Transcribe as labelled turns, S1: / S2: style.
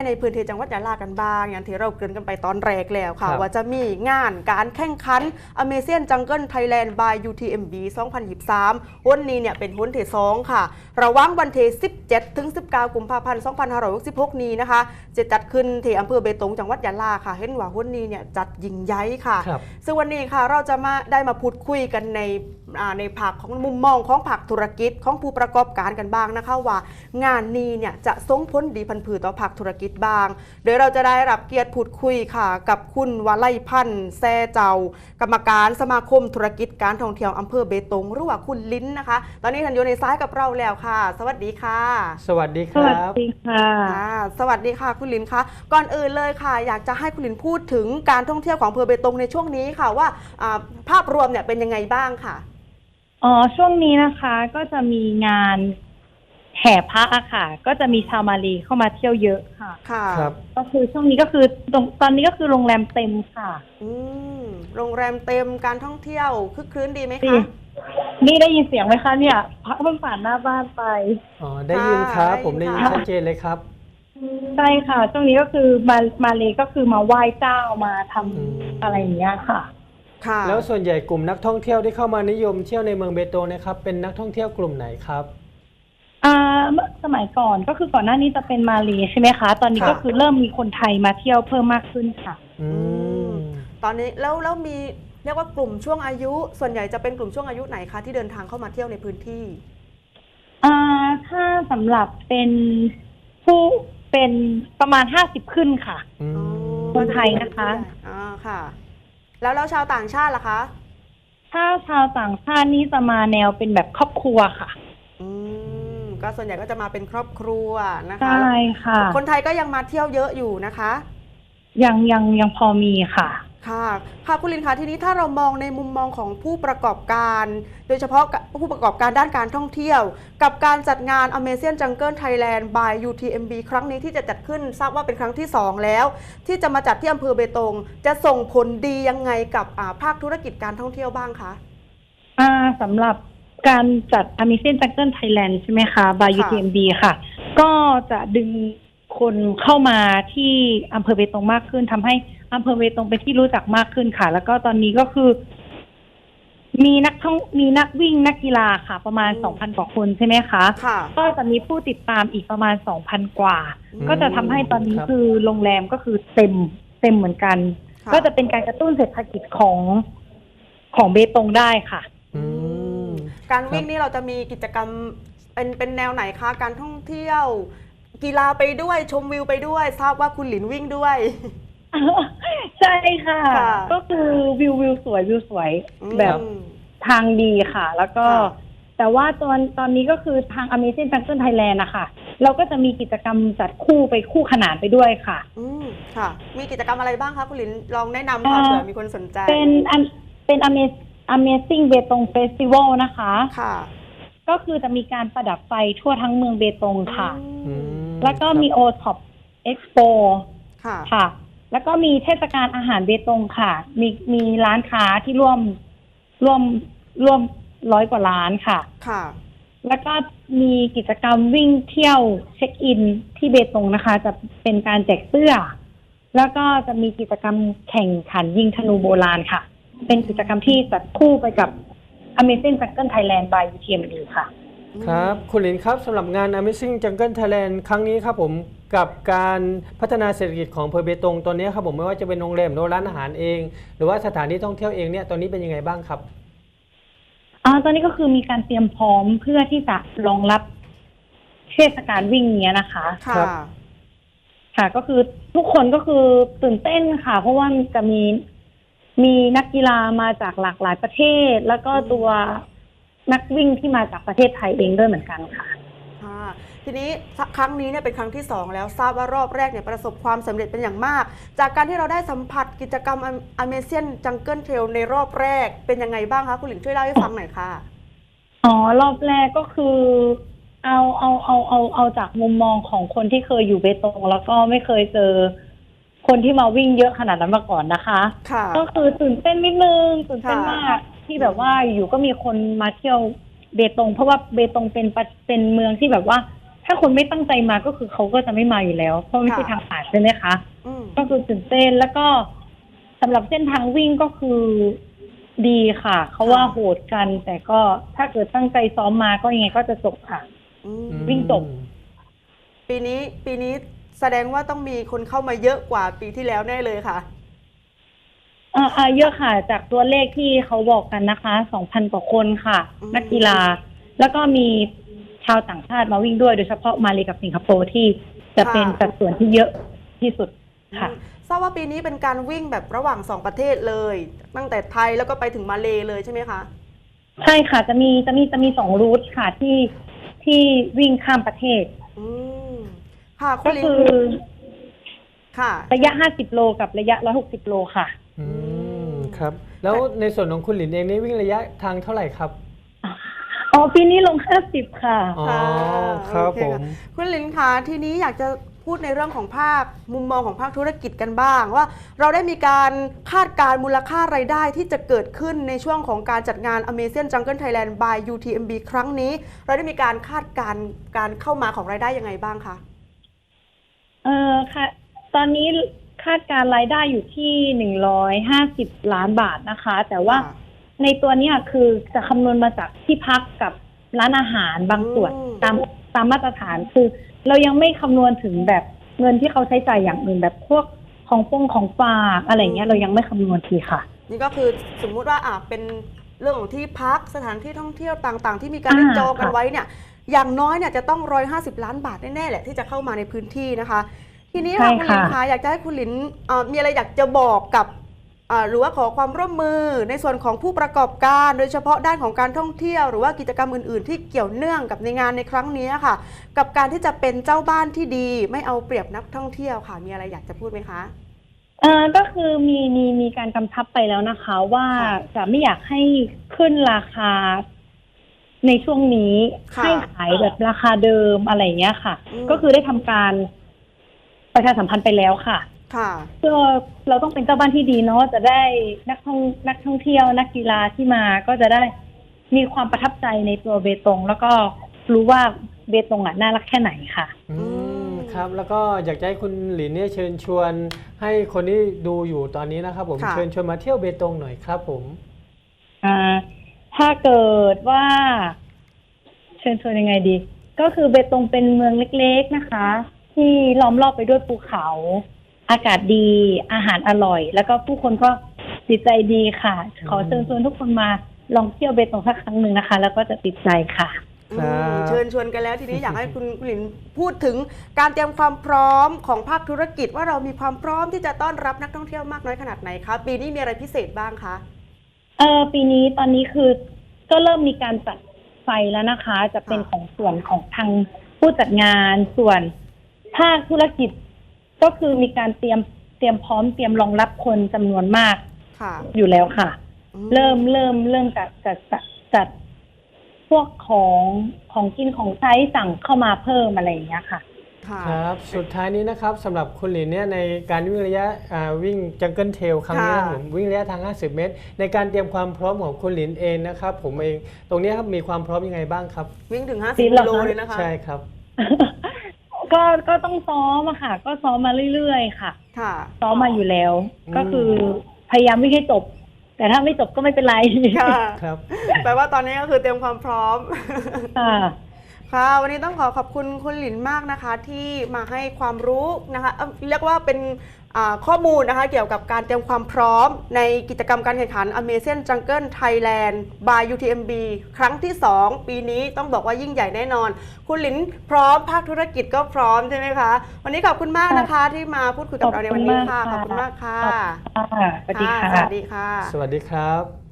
S1: ในพื้นที่จังหวัดยะลากันบ้างอย่างที่เราเกริ่นกันไปตอนแรกแล้วค่ะว่าจะมีงานการแข่งขัน Amazing Jungle Thailand by UTMB 2023วันนี้เนี่ยเป็นวันที่2ค่ะระหว่างวันที่17 ถึง 19 กุมภาพันธ์ 2566 นี้นะคะจะจัดขึ้นที่อำเภอเบตงจังหวัดยะลาค่ะเห็นว่าวันนี้เนี่ยจัดยิ่งใหญ่ค่ะซึ่งวันนี้ค่ะเราจะได้มาพูดคุยกันในภาคของมุมมองของภาคธุรกิจของผู้ประกอบการกันบ้างนะคะว่างานนี้เนี่ยจะส่งผลดีพันผือต่อภาคธุรกิจบ้างโดยเราจะได้รับเกียรติพูดคุยค่ะกับคุณวลัยพันธ์แซ่เจ้ากรรมการสมาคมธุรกิจการท่องเที่ยวอำเภอเบตงหรือว่าคุณลิ้นนะคะตอนนี้ท่านอยู่ในซ้ายกับเราแล้วค่ะสวัสดีค่ะ
S2: สวัสดีครับ
S3: สวัสดีค่ะ
S1: สวัสดีค่ะคุณลิ้นคะก่อนอื่นเลยค่ะอยากจะให้คุณลิ้นพูดถึงการท่องเที่ยวของอำเภอเบตงในช่วงนี้ค่ะว่าภาพรวมเนี่ยเป็นยังไงบ้างค่ะ
S3: ช่วงนี้นะคะก็จะมีงานแห่พระอะค่ะก็จะมีชาวมาลีเข้ามาเที่ยวเยอะค่ะ
S2: ครับ
S3: ก็คือช่วงนี้ก็คือตอนนี้ก็คือโรงแรมเต็มค่ะ
S1: โรงแรมเต็มการท่องเที่ยวคึกคืนดีไหมคะ
S3: นี่ได้ยินเสียงไหมคะเนี่ยพระเพิ่งผ่านหน้าบ้านไป
S2: ได้ยินครับผมได้ยินชัดเจนเลยครับ
S3: ใช่ค่ะช่วงนี้ก็คือมาเลก็คือมาไหว้เจ้ามาทำอะไรอย่างเงี้ยค่ะ
S2: แล้วส่วนใหญ่กลุ่มนักท่องเที่ยวที่เข้ามานิยมเที่ยวในเมืองเบตงนะครับเป็นนักท่องเที่ยวกลุ่มไหนครับ
S3: สมัยก่อนก็คือก่อนหน้านี้จะเป็นมาเลใช่ไหมคะตอนนี้ก็คือเริ่มมีคนไทยมาเที่ยวเพิ่มมากขึ้นค่ะ
S1: ตอนนี้แล้วมีเรียกว่ากลุ่มช่วงอายุส่วนใหญ่จะเป็นกลุ่มช่วงอายุไหนคะที่เดินทางเข้ามาเที่ยวในพื้นที่
S3: ถ้าสำหรับเป็นผู้เป็นประมาณ50ขึ้นค่ะคนไทยนะคะ
S1: ค่ะแล้วชาวต่างชาติล่ะคะ
S3: ถ้าชาวต่างชาตินี่จะมาแนวเป็นแบบครอบครัวค่ะ
S1: ก็ส่วนใหญ่ก็จะมาเป็นครอบครัวนะคะ
S3: ใช่ค่ะ
S1: คนไทยก็ยังมาเที่ยวเยอะอยู่นะคะ
S3: ยังพอมีค่ะ
S1: ค่ะคุณลินคะทีนี้ถ้าเรามองในมุมมองของผู้ประกอบการโดยเฉพาะผู้ประกอบการด้านการท่องเที่ยวกับการจัดงาน Amazing Jungle Thailand by UTMB ครั้งนี้ที่จะจัดขึ้นทราบว่าเป็นครั้งที่2แล้วที่จะมาจัดที่อำเภอเบตงจะส่งผลดียังไงกับภาคธุรกิจการท่องเที่ยวบ้างคะ
S3: สำหรับการจัด Amazing Jungle Thailand ใช่ไหมคะ by UTMB ค่ะก็จะดึงคนเข้ามาที่อำเภอเบตงมากขึ้นทำให้อำเภอเบตงเป็นที่รู้จักมากขึ้นค่ะแล้วก็ตอนนี้ก็คือมีนักวิ่งนักกีฬาค่ะประมาณ 2,000 กว่าคนใช่ไหมคะก็จะมีผู้ติดตามอีกประมาณ 2,000 กว่าก็จะทำให้ตอนนี้คือโรงแรมก็คือเต็มเหมือนกันก็จะเป็นการกระตุ้นเศรษฐกิจของเบตงได้ค่ะ
S1: การวิ่งนี่เราจะมีกิจกรรมเป็นแนวไหนคะการท่องเที่ยวกีฬาไปด้วยชมวิวไปด้วยทราบว่าคุณหลินวิ่งด้วย
S3: ใช่ค่ะก็คือวิวสวยแบบทางดีค่ะแล้วก็แต่ว่าตอนนี้ก็คือทาง Amazing Jungle Thailand นะคะเราก็จะมีกิจกรรมจัดคู่ขนานไปด้วยค่ะ
S1: ค่ะมีกิจกรรมอะไรบ้างคะคุณหลินลองแนะนำค่ะเผื่อมีคนสนใจ
S3: เป็น Amazing เบตง Festival นะคะก็คือจะมีการประดับไฟทั่วทั้งเมืองเบตงค่ะแล้วก็มี O-Top Expo ค่ะแล้วก็มีเทศกาลอาหารเบตงค่ะมีร้านค้าที่ร่วม100 กว่าร้านค่ะแล้วก็มีกิจกรรมวิ่งเที่ยวเช็คอินที่เบตงนะคะจะเป็นการแจกเสื้อแล้วก็จะมีกิจกรรมแข่งขันยิงธนูโบราณค่ะเป็นกิจกรรมที่จัดคู่ไปกับ Amazing Jungle Thailand by UTMB ค่ะ
S2: ครับคุณหลินครับสำหรับงาน Amazing Jungle Thailand ครั้งนี้ครับผมกับการพัฒนาเศรษฐกิจของอำเภอเบตงตอนนี้ครับผมไม่ว่าจะเป็นโรงแรมหรือร้านอาหารเองหรือว่าสถานที่ท่องเที่ยวเองเนี่ยตอนนี้เป็นยังไงบ้างครับ
S3: ตอนนี้ก็คือมีการเตรียมพร้อมเพื่อที่จะรองรับเทศกาลวิ่งเนี้ยนะคะค่ะก็คือทุกคนก็คือตื่นเต้นค่ะเพราะว่าจะมีนักกีฬามาจากหลากหลายประเทศแล้วก็ตัวนักวิ่งที่มาจากประเทศไทยเองด้วยเหมือนกันค่ะ
S1: ทีนี้ครั้งนี้เนี่ยเป็นครั้งที่2แล้วทราบว่ารอบแรกเนี่ยประสบความสำเร็จเป็นอย่างมากจากการที่เราได้สัมผัสกิจกรรม Amazing Jungle Trail ในรอบแรกเป็นยังไงบ้างคะคุณหลินช่วยเล่าให้ฟังหน่อยค่ะ
S3: รอบแรกก็คือเอาจากมุมมองของคนที่เคยอยู่เบตงแล้วก็ไม่เคยเจอคนที่มาวิ่งเยอะขนาดนั้นมาก่อนนะคะก็คือตื่นเต้นนิดนึงตื่นเต้นมากที่แบบว่าอยู่ก็มีคนมาเที่ยวเบตงเพราะว่าเบตงเป็นเมืองที่แบบว่าถ้าคนไม่ตั้งใจมาก็คือเขาก็จะไม่มาอยู่แล้วเพราะไม่ใช่ทางผ่านใช่ไหมคะ
S1: อืม
S3: ก็คือตื่นเต้นแล้วก็สำหรับเส้นทางวิ่งก็คือดีค่ะเขาว่าโหดกัน แต่ก็ถ้าเกิดตั้งใจซ้อมมาก็ยังไงก็จะจบค่ะ
S1: อืม
S3: วิ่งจบ
S1: ปีนี้แสดงว่าต้องมีคนเข้ามาเยอะกว่าปีที่แล้วแน่เลยค่ะ
S3: เยอะค่ะจากตัวเลขที่เขาบอกกันนะคะ 2,000 กว่าคนค่ะ
S1: อืม
S3: นักกีฬา แล้วก็มีชาวต่างชาติมาวิ่งด้วยโดยเฉพาะมาเลกับสิงคโปร์ที่จะเป็นสัดส่วนที่เยอะที่สุดค่ะ
S1: ทราบว่าปีนี้เป็นการวิ่งแบบระหว่าง2ประเทศเลย ตั้งแต่ไทยแล้วก็ไปถึงมาเลเลยใช่ไหมคะ
S3: ใช่ค่ะจะมี2 รูทค่ะที่วิ่งข้ามประเทศ
S1: อืมค่ะคุ
S3: ก็
S1: ณลิน
S3: คือ
S1: ค่ะ
S3: ระยะ 50 โลกับระยะ 160 โลค่ะ
S2: ครับ แล้วในส่วนของคุณหลินเองนี่วิ่งระยะทางเท่าไหร่ครับ
S3: อ๋อปีนี้ลง 50 ค่ะ
S2: อ๋อครับ
S1: โอเ
S2: ผม
S1: คุณลินคะทีนี้อยากจะพูดในเรื่องของภาคมุมมองของภาคธุรกิจกันบ้างว่าเราได้มีการคาดการณ์มูลค่ารายได้ที่จะเกิดขึ้นในช่วงของการจัดงาน Amazing Jungle Thailand by UTMB ครั้งนี้ เราได้มีการคาดการณ์การเข้ามาของรายได้ยังไงบ้างคะ
S3: ค่ะ ตอนนี้คาดการรายได้อยู่ที่150 ล้านบาทนะคะ แต่ว่า
S1: ค่ะ
S3: ในตัวเนี้ยคือจะคำนวณมาจากที่พักกับร้านอาหารบางส่วน
S1: อืม
S3: ตามมาตรฐานคือ เรายังไม่คำนวณถึงแบบเงินที่เขาใช้จ่ายอย่างอื่นแบบพวกของฝากอะไรเงี้ยเรายังไม่คำนวณทีค่ะ
S1: นี่ก็คือสมมุติว่าเป็นเรื่องของที่พักสถานที่ท่องเที่ยวต่างๆ ที่มีการเล่นจองกันไว้เนี่ยอย่างน้อยเนี่ยจะต้อง150 ล้านบาทแน่ๆแหละที่จะเข้ามาในพื้นที่นะคะ ทีนี้ค่ะ
S3: ใช่
S1: คุณหลิน
S3: ค่ะ
S1: คะอยากจะให้คุณหลินมีอะไรอยากจะบอกกับหรือว่าขอความร่วมมือในส่วนของผู้ประกอบการ โดยเฉพาะด้านของการท่องเที่ยวหรือว่ากิจกรรมอื่นๆ ที่เกี่ยวเนื่องกับในงานในครั้งนี้ค่ะ กับการที่จะเป็นเจ้าบ้านที่ดีไม่เอาเปรียบนักท่องเที่ยวค่ะมีอะไรอยากจะพูดไหมคะ
S3: ก็คือมีการกำชับไปแล้วนะคะ ว่า
S1: ค่ะ
S3: จะไม่อยากให้ขึ้นราคาในช่วงนี้
S1: ค่ะ
S3: ให้ขายแบบราคาเดิมอะไรเงี้ยค่ะ
S1: อืม
S3: ก็คือได้ทำการประชาสัมพันธ์ไปแล้วค่ะ
S1: ค่ะ
S3: เพื่อเราต้องเป็นเจ้าบ้านที่ดีเนาะจะได้นักท่องเที่ยวนักกีฬาที่มาก็จะได้มีความประทับใจในตัวเบตง แล้วก็รู้ว่าเบตงน่ารักแค่ไหนค่ะ
S2: ครับ แล้วก็อยากจะให้คุณหลินเนี่ยเชิญชวนให้คนที่ดูอยู่ตอนนี้นะครับผม
S1: ค่ะ
S2: เชิญชวนมาเที่ยวเบตงหน่อยครับผม
S3: ถ้าเกิดว่า เชิญชวนยังไงดี ก็คือเบตงเป็นเมืองเล็กๆนะคะ ที่ล้อมรอบไปด้วยภูเขา อากาศดีอาหารอร่อย แล้วก็ผู้คนก็จิตใจดีค่ะ ขอเชิญชวนทุกคนมาลองเที่ยวเบตงสักครั้งหนึ่งนะคะ แล้วก็จะติดใจค่ะ
S2: ครับ
S1: เชิญชวนกันแล้วทีนี้อยากให้คุณหลินพูดถึงการเตรียมความพร้อมของภาคธุรกิจว่าเรามีความพร้อมที่จะต้อนรับนักท่องเที่ยวมากน้อยขนาดไหนคะปีนี้มีอะไรพิเศษบ้างคะ
S3: ปีนี้ตอนนี้คือก็เริ่มมีการจัดไฟแล้วนะคะ จะเป็น
S1: ค่ะ
S3: ของส่วนของทางผู้จัดงานส่วนภาคธุรกิจ ก็คือมีการเตรียมพร้อมเตรียมรองรับคนจำนวนมาก
S1: ค่ะ
S3: อยู่แล้วค่ะ
S1: อืม
S3: เริ่มจัดพวกของกินของใช้สั่งเข้ามาเพิ่มอะไรอย่างเงี้ยค่ะ
S1: ค่ะ
S2: ครับสุดท้ายนี้นะครับสำหรับคุณหลินเนี่ยในการวิ่งระยะวิ่งจังเกิลเทลครั้งนี้นะ
S1: ค่ะ
S2: ผมวิ่งระยะทาง 50 เมตร ในการเตรียมความพร้อมของคุณหลินเองนะครับผมเองตรงนี้ครับมีความพร้อมยังไงบ้างครับ
S1: วิ่งถึง
S3: จริ
S1: 50
S3: งเหร
S1: กิ
S3: อ
S1: โล
S3: คะ
S1: เลยนะคะ
S2: ใช่ครับ
S3: ก็ต้องซ้อมอะค่ะ ก็ซ้อมมาเรื่อยๆค่ะ
S1: ค่ะ
S3: ซ้อมมาอยู่แล้ว
S2: อืม
S3: ก็คือพยายามวิ่งให้จบ แต่ถ้าไม่จบก็ไม่เป็นไร
S1: ค่ะ
S2: ครับ
S1: แปลว่าตอนนี้ก็คือเตรียมความพร้อม
S3: ค่ะ
S1: ค่ะวันนี้ต้องขอบคุณคุณหลินมากนะคะที่มาให้ความรู้นะคะเรียกว่าเป็นข้อมูลนะคะเกี่ยวกับการเตรียมความพร้อมในกิจกรรมการแข่งขัน Amazing Jungle Thailand by UTMB ครั้งที่ 2 ปีนี้ต้องบอกว่ายิ่งใหญ่แน่นอน คุณหลินพร้อมภาคธุรกิจก็พร้อมใช่ไหมคะวันนี้ขอบคุณมากนะคะที่มาพูดคุยกับเราในวันนี้ค่ะขอบคุณมากค่ะ
S3: สวัสดีค่ะ
S1: สวัสดีค่ะ
S2: สวัสดีครับ